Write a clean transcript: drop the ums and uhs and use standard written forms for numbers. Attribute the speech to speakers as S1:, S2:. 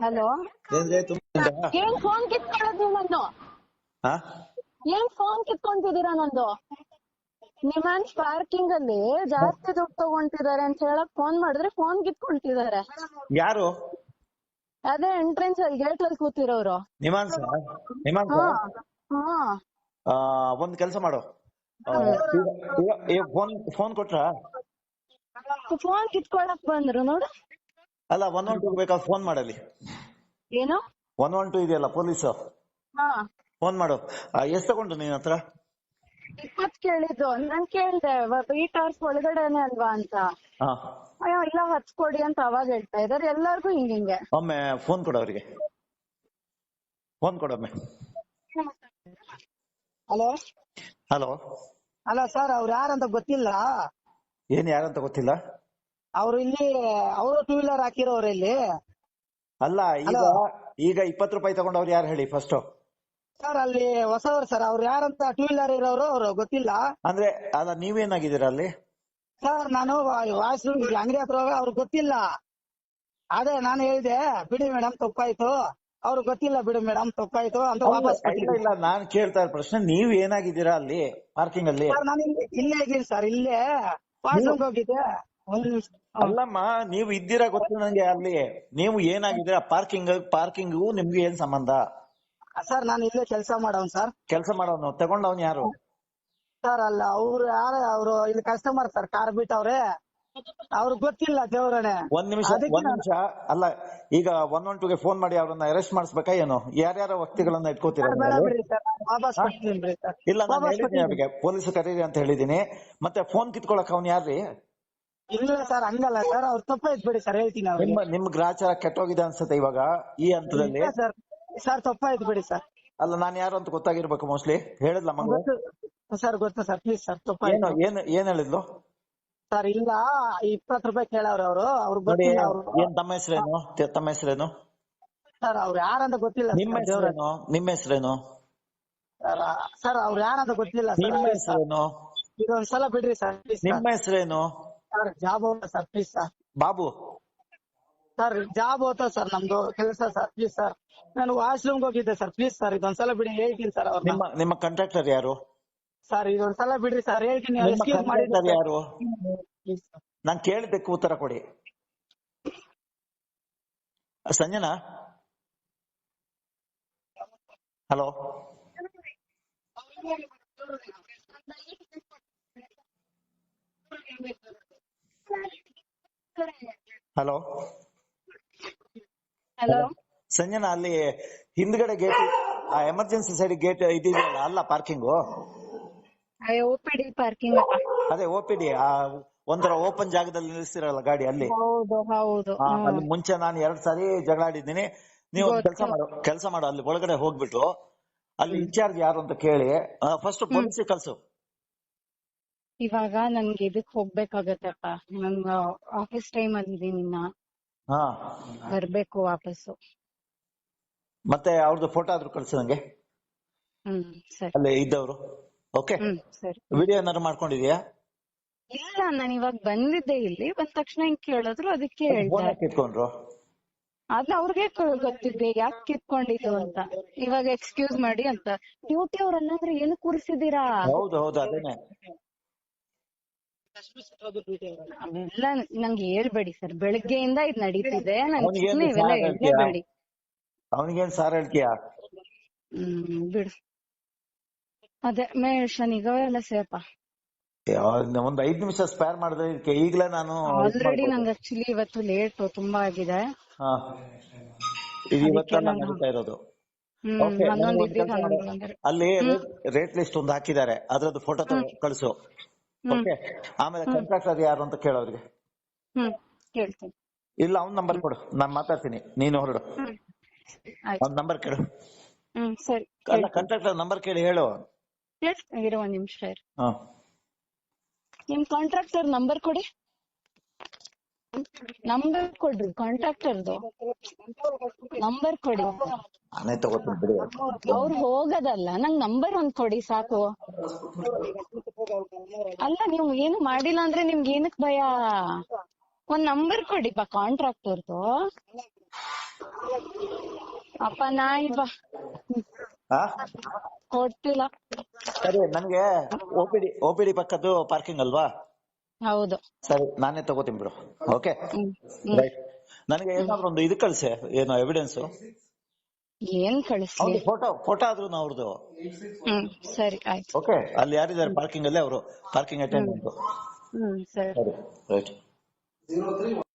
S1: Hello,
S2: ಏನ್ರಿ ತುಂಬಾ
S1: ಏನ್ ಫೋನ್ ಕಿತ್ಕೊಳ್ಳೋದು ನಂದು?
S2: ಹಾ
S1: ಏನ್ ಫೋನ್ ಕಿತ್ಕೊಂತಿದೀರಾ ನಂದು? ನಿಮ್ಮನ್ಸ್ ಪಾರ್ಕಿಂಗ್ ಅಲ್ಲಿ ಜಾಸ್ತಿ ದುಡ್ಡು ತಗೊಂತಿದಾರೆ ಅಂತ ಹೇಳಕ್ ಫೋನ್ ಮಾಡಿದ್ರೆ ಫೋನ್ ಕಿತ್ಕೊಂತಿದಾರೆ.
S2: ಯಾರು?
S1: ಅದೇ ಎಂಟ್ರೆನ್ಸ್ ಅಲ್ಲಿ ಗೇಟ್ ಅಲ್ಲಿ ಕೂತಿರೋರು.
S2: ನಿಮಾನ್ಸ ನಿಮಾನ್ಸ
S1: ಹಾ ಹಾ
S2: ಒಂದ್ ಕೆಲಸ ಮಾಡು. ಫೋನ್ ಕೊಟ್ರ?
S1: ಫೋನ್ ಕಿತ್ಕೊಳಕ್ ಬಂದ್ರು ನೋಡು.
S2: ಅಲ್ಲ 112 ಬೇಕಾದ್ರೆ ಫೋನ್ ಮಾಡಲಿ.
S1: ಏನು
S2: 112 ಇದೆಯಲ್ಲ ಪೊಲೀಸ್,
S1: ಹಾ
S2: ಫೋನ್ ಮಾಡು. ಎಷ್ಟ್ ತಗೊಂಡು ನಿನ್ ಹತ್ರ?
S1: 20 ಕೇಳಿದ್ದು. ನಾನ್ ಕೇಳ್ದೆ 3 hours ಒಳಗಡೆನೆ ಅಲ್ವಾ ಅಂತ.
S2: ಹಾ
S1: ಅಯ್ಯೋ ಇಲ್ಲ 10 ಕೊಡಿ ಅಂತ ಅವಾಗ ಹೇಳ್ತಾ ಇದಾರೆ. ಎಲ್ಲಾರ್ಗು ಹಿಂಗಿಂಗೆ.
S2: ಒಮ್ಮೆ ಫೋನ್ ಕೊಡು ಅವರಿಗೆ, ಫೋನ್ ಕೊಡೊಮ್ಮೆ.
S3: ಹಲೋ
S2: ಹಲೋ,
S3: ಅಲ್ಲ ಸರ್, ಅವ್ರು ಯಾರಂತ ಗೊತ್ತಿಲ್ಲ.
S2: ಏನ್ ಯಾರಂತ ಗೊತ್ತಿಲ್ಲ?
S3: ಅವ್ರು ಇಲ್ಲಿ ಅವರು 2 wheeler ಹಾಕಿರೋರು ಇಲ್ಲಿ.
S2: ಅಲ್ಲ ಈಗ ಈಗ 20 ರೂಪಾಯಿ ತಗೊಂಡವ್ರು ಯಾರು ಹೇಳಿ ಫಸ್ಟ್?
S3: ಸರ್ ಅಲ್ಲಿ ಹೊಸವರು ಸರ್, ಅವ್ರು ಯಾರಂತ 2 wheeler ಇರೋರು ಅವ್ರು ಗೊತ್ತಿಲ್ಲ.
S2: ಅಂದ್ರೆ ಅಲ್ಲ ನೀವೇನಾಗಿದ್ದೀರಾ ಅಲ್ಲಿ?
S3: ಸರ್ ನಾನು ವಾಶ್ರೂಮ್ ಅಂಗಡಿ ಹತ್ರ ಅವ್ರಿಗೆ ಗೊತ್ತಿಲ್ಲ. ಅದೇ ನಾನು ಹೇಳಿದೆ ಬಿಡಿ ಮೇಡಮ್ ತಪ್ಪಾಯ್ತು, ಅವ್ರು ಗೊತ್ತಿಲ್ಲ ಬಿಡಿ ಮೇಡಮ್ ತಪ್ಪಾಯ್ತು ಅಂತ ವಾಪಸ್
S2: ಇಲ್ಲ
S3: ಕೊಟ್ಟಿದ್ದೀನಿ.
S2: ಇಲ್ಲ, ನಾನ್ ಕೇಳ್ತಾ ಇರೋ ಪ್ರಶ್ನೆ ನೀವ್ ಏನಾಗಿದ್ದೀರಾ ಅಲ್ಲಿ ಪಾರ್ಕಿಂಗ್ ಅಲ್ಲಿ?
S3: ಸರ್ ನಾನು ಇಲ್ಲೇ ಇದ್ದೀನಿ ಸರ್, ಇಲ್ಲೇ ವಾಶ್ರೂಮ್ಗೆ ಹೋಗಿದ್ದೆ. ಒಂದ್ ನಿಮಿಷ.
S2: ಅಲ್ಲಮ್ಮ, ನೀವು ಇದ್ದೀರಾ ಗೊತ್ತು ನಂಗೆ ಅಲ್ಲಿ. ನೀವು ಏನಾಗಿದ್ದೀರಾ ಪಾರ್ಕಿಂಗ್ ನಿಮ್ಗೆ ಏನ್ ಸಂಬಂಧ?
S3: ಸರ್ ನಾನು ಇಲ್ಲೇ ಕೆಲಸ ಮಾಡೋನ್ ಸರ್.
S2: ಕೆಲಸ ಮಾಡೋನು ತಗೊಂಡವ್ನು ಯಾರು?
S3: ಸರ್ ಅಲ್ಲ ಅವ್ರು ಯಾರ, ಅವ್ರು ಇಲ್ಲಿ ಕಸ್ಟಮರ್ ಸರ್, ಕಾರ್ ಬಿಟ್ಟವ್ರೆ, ಅವ್ರಿಗೆ ಗೊತ್ತಿಲ್ಲ ದೇವ್ರನೆ.
S2: ಒಂದ್ ನಿಮಿಷ ಅಲ್ಲ, ಈಗ 112ಗೆ ಫೋನ್ ಮಾಡಿ ಅವ್ರನ್ನ ಅರೆಸ್ಟ್ ಮಾಡಿಸ್ಬೇಕಾ ಏನು? ಯಾರ್ಯಾರ ವ್ಯಕ್ತಿಗಳನ್ನ ಇಟ್ಕೋತೀರಾ?
S3: ಬೇಡ ಬಿಡಿ ಸರ್, ವಾಪಸ್ ಕೊಡ್ತೀನಿ ಬಿಡಿ ಸರ್.
S2: ಇಲ್ಲ, ನಾನು ಹೇಳಿದ್ದೀನಿ ಅವ್ರಿಗೆ ಪೊಲೀಸ್ ಕರೀರಿ ಅಂತ ಹೇಳಿದೀನಿ. ಮತ್ತೆ ಫೋನ್ ಕಿತ್ಕೊಳಕ್ ಅವ್ನು ಯಾರ್ರಿ?
S3: ಇಲ್ಲ ಸರ್ ಹಂಗಲ್ಲ ಸರ್, ಅವ್ರು ತಪ್ಪಾಯ್ತು ಬಿಡಿ ಸರ್, ಹೇಳ್ತೀನಿ ಅವ್ರಿಗೆ.
S2: ನಿಮ್ ಗ್ರಾಚಾರ ಕೆಟ್ಟೋಗಿದೆ ಅನ್ಸುತ್ತೆ ಇವಾಗ ಈ ಹಂತದಲ್ಲಿ.
S3: ಸರ್ ಸರ್ ತಪ್ಪಾಯ್ತು ಬಿಡಿ ಸರ್.
S2: ಅಲ್ಲ, ನಾನು ಯಾರು ಅಂತ ಗೊತ್ತಾಗಿರ್ಬೇಕು ಮೋಸ್ಟ್ಲಿ. ಹೇಳಿದ್ಲ ಮಂಗ?
S3: ಸರ್ ಗೊತ್ತು ಸರ್, ಪ್ಲೀಸ್ ಸರ್
S2: ಏನು
S3: ತಪ್ಪಾಯ್ತು.
S2: ಏನ್ ಹೇಳಿದ್ಲು
S3: ಸರ್ ಇಲ್ಲ 20 ರೂಪಾಯಿ ಕೇಳವ್ರೆ ಅವರು, ಅವ್ರಿಗೆ
S2: ನೋಡಿ.
S3: ಗೊತ್ತಿಲ್ಲ. ಅವ್ರು
S2: ಏನ್ ತಮ್ಮ ಹೆಸರೇನು? ತಮ್ಮ ಹೆಸರೇನು?
S3: ಸರ್ ಅವ್ರು ಯಾರಂತ ಗೊತ್ತಿಲ್ಲ.
S2: ನಿಮ್ಮ ಹೆಸರೇನು? ನಿಮ್ಮ ಹೆಸರೇನು?
S3: ಸರ್ ಅವ್ರು ಯಾರಂತ ಗೊತ್ತಿಲ್ಲ ಸರ್.
S2: ನಿಮ್ಮ ಹೆಸರೇನು?
S3: ಇದೊಂದ್ಸಲ ಬಿಡ್ರಿ ಸರ್ ಪ್ಲೀಸ್.
S2: ನಿಮ್ಮ ಹೆಸರೇನು?
S3: ಸರ್ ಜಾಬ್ ಹೋಗ್ತಾ sir, please sir.
S2: Babu
S3: sir job ಹೋಗ್ತಾ ಸರ್, ನಮ್ದು ಕೆಲಸ ಸರ್, ಪ್ಲೀಸ್ ಸರ್. ನಾನು ವಾಶ್ರೂಮ್ಗೆ ಹೋಗಿದ್ದೆ ಸರ್, ಪ್ಲೀಸ್ ಸರ್ ಇದೊಂದ್ಸಲ ಬಿಡಿ, ಹೇಳ್ತೀನಿ ಸರ್ ಅವ್ರನ್ನ.
S2: ನಿಮ್ಮ ಕಾಂಟ್ರಾಕ್ಟರ್ ಯಾರು?
S3: ಸರ್ ಇದೊಂದ್ಸಲ ಬಿಡ್ರಿ ಸರ್, ಹೇಳ್ತೀನಿ.
S2: ನಿಮ್ಮ ಕಾಂಟ್ರಾಕ್ಟರ್ ಯಾರು?
S3: Please sir.
S2: ನಾನ್ ಕೇಳಿದ್ದಕ್ಕೆ ಉತ್ತರ ಕೊಡಿ. Sanjana, hello hello
S1: hello
S2: Sanjana, ಅಲ್ಲಿ ಹಿಂದ್ಗಡೆ ಗೇಟ್, ಎಮರ್ಜೆನ್ಸಿ ಸೈಡ್ ಗೇಟ್ ಇದೆಯಲ್ಲ, ಅಲ್ಲ ಪಾರ್ಕಿಂಗು?
S1: OPD parking.
S2: ಅದೇ OPD, ಒಂಥರ ಓಪನ್ ಜಾಗದಲ್ಲಿ ನಿಲ್ಲಿಸ್ತಿರಲ್ಲ ಗಾಡಿ, ಅಲ್ಲಿ.
S1: ಹೌದು ಹೌದು.
S2: ಅಲ್ಲಿ ಮುಂಚೆ ನಾನು 2 ಸಾರಿ ಜಗಳ ಆಡಿದ್ದೀನಿ. ನೀವು ಕೆಲಸ ಮಾಡು, ಅಲ್ಲಿ ಒಳಗಡೆ ಹೋಗ್ಬಿಟ್ಟು ಅಲ್ಲಿ ಇನ್ಚಾರ್ಜ್ ಯಾರು ಅಂತ ಕೇಳಿ ಫಸ್ಟ್ ಪೊಲೀಸಿಗೆ ಕಳ್ಸು.
S1: ಇವಾಗ ನನ್ಗೆ ಇದಕ್ ಹೋಗ್ಬೇಕಾಗತ್ತಪ್ಪ, ನನ್ ಆಫೀಸ್ ಟೈಮ್ ಅಲ್ಲಿ ಇದೀನಿ, ಇನ್ನ
S2: ಹಾ
S1: ಬರ್ಬೇಕು ವಾಪಸ್ಸು.
S2: ಮತ್ತೆ ಅವ್ರದ್ದು ಫೋಟೋ ಆದ್ರೂ ಕಳ್ಸು ನಂಗೆ,
S1: ಸರಿ.
S2: ಅಲ್ಲಿ ಇದ್ದವರು. ಓಕೆ,
S1: ಸರಿ.
S2: ವಿಡಿಯೋ ಏನಾದ್ರು ಮಾಡ್ಕೊಂಡಿದ್ಯಾ?
S1: ಇಲ್ಲ, ನಾನು ಇವಾಗ ಬಂದಿದ್ದೆ, ಇಲ್ಲಿ ಬಂದ ತಕ್ಷಣ ಹಿಂಗ್ ಕೇಳಿದ್ರು, ಅದಕ್ಕೆ ಹೇಳ್ದೆ.
S2: ಕಿತ್ಕೊಂಡ್ರು?
S1: ಅದ್ ಅವ್ರಿಗೆ ಗೊತ್ತಿದ್ದೆ ಯಾಕೆ ಕಿತ್ಕೊಂಡಿದ್ದು ಅಂತ. ಇವಾಗ ಎಕ್ಸ್ಕ್ಯೂಸ್ ಮಾಡಿ ಅಂತ. ಡ್ಯೂಟಿ ಅವ್ರನ್ನಂದ್ರೆ ಏನು ಕೂರಿಸಿದೀರಾ?
S2: ಹೌದು ಹೌದು, ಅದೇನೆ.
S1: ಅವೆಲ್ಲ ನಂಗೆ ಹೇಳ್ಬೇಡಿ ಸರ್, ಬೆಳಗ್ಗೆಯಿಂದ ಇದ್ ನಡೀತಿದೆ. ಇವೆಲ್ಲ ಹೇಳ್ಬೇಡಿ.
S2: ಅವನಿಗೇನ್ ಸಾರ್ ಹೇಳ್ತೀಯಾ?
S1: ಬಿಡು. ಅದೇ ಮೇಷನ್ ಈಗವೆಲ್ಲ ಸೇಪ.
S2: ಒಂದ್ 5 ನಿಮಿಷ ಸ್ಪೇರ್ ಮಾಡಿದ್ರೆ ಇದಕ್ಕೆ ಈಗಲೇ ನಾನು
S1: ಆಲ್ರೆಡಿ ನಂಗೆ ಆಕ್ಚುಲಿ ಇವತ್ತು ಲೇಟ್ ತುಂಬಾ ಆಗಿದೆ.
S2: ಇವತ್ತೆಲ್ಲ ನಡೀತಾ ಇರೋದು. ಅಲ್ಲಿ ರೇಟ್ ಲಿಸ್ಟ್ ಒಂದು ಹಾಕಿದ್ದಾರೆ, ಅದ್ರದ್ದು ಫೋಟೋ ಕಳಿಸು. ಓಕೆ, ಆಮೇಲೆ ಕಾಂಟ್ರಾಕ್ಟರ್ ಯಾರು ಅಂತ ಕೇಳೋರಿಗೆ.
S1: ಕೇಳ್ತೀನಿ.
S2: ಇಲ್ಲ, ಅವ್ನ್ ನಂಬರ್ ಕೊಡು, ನಾನ್ ಮಾತಾಡ್ತೀನಿ, ನೀನು ಹೊರಡು. ಅವ್ನ ನಂಬರ್ ಕೇಳು.
S1: ಸರಿ.
S2: ಅಲ್ಲ, ಕಾಂಟ್ರಾಕ್ಟರ್ ನಂಬರ್ ಕೇಳಿ ಹೇಳು.
S1: ಇರೋ ಒಂದ್ ನಿಮಿಷ. ನಿಮ್ ಕಾಂಟ್ರಾಕ್ಟರ್ ನಂಬರ್ ಕೊಡಿ. ನಂಬರ್ ಕೊಡ್ರಿ, ಕಾಂಟ್ರಾಕ್ಟರ್ದು ನಂಬರ್ ಕೊಡಿ.
S2: ನಾನೇ ತಗೋತೀನಿ ಬಿಡಿ.
S1: ಅವ್ರು ಹೋಗದಲ್ಲ, ನಂಗ್ ನಂಬರ್ ಒಂದ್ ಕೊಡಿ ಸಾಕು. ಅಲ್ಲ, ನೀವು ಏನು ಮಾಡಿಲ್ಲ ಅಂದ್ರೆ ನಿಮ್ಗೆ ಏನಕ್ ಭಯ? ಒಂದ್ ನಂಬರ್ ಕೊಡಿ ಕಾಂಟ್ರಾಕ್ಟರ್ದು. ಅಪ್ಪ ನಾಯಿ ಬಾ.
S2: ಹಾ
S1: ಕೊಟ್ಟಿಲ್ಲ.
S2: ಸರಿ, ನನ್ಗೆ OPD ಪಕ್ಕದ್ದು ಪಾರ್ಕಿಂಗ್ ಅಲ್ವಾ?
S1: ಹೌದು.
S2: ಸರಿ, ನಾನೇ ತಗೋತೀನಿ ಬಿಡು. Okay, right. ನನಗೆ ಏನಾದ್ರು ಒಂದು ಇದು ಕಳ್ಸೆ, ಏನು ಎವಿಡೆನ್ಸ್.
S1: ಏನ್ ಕಳಿಸ್ಲಿ?
S2: ಅವ್ರದ್ದು ಫೋಟೋ ಆದ್ರೂ ಅವ್ರದ್ದು.
S1: ಸರಿ ಆಯ್ತು.
S2: ಓಕೆ, ಅಲ್ಲಿ ಯಾರಿದ್ದಾರೆ ಪಾರ್ಕಿಂಗ್ ಅಲ್ಲಿ? ಅವರು ಪಾರ್ಕಿಂಗ್ ಅಟೆಂಡೆಂಟ್.
S1: ಸರಿ.
S2: ಸರಿ, ರೈಟ್.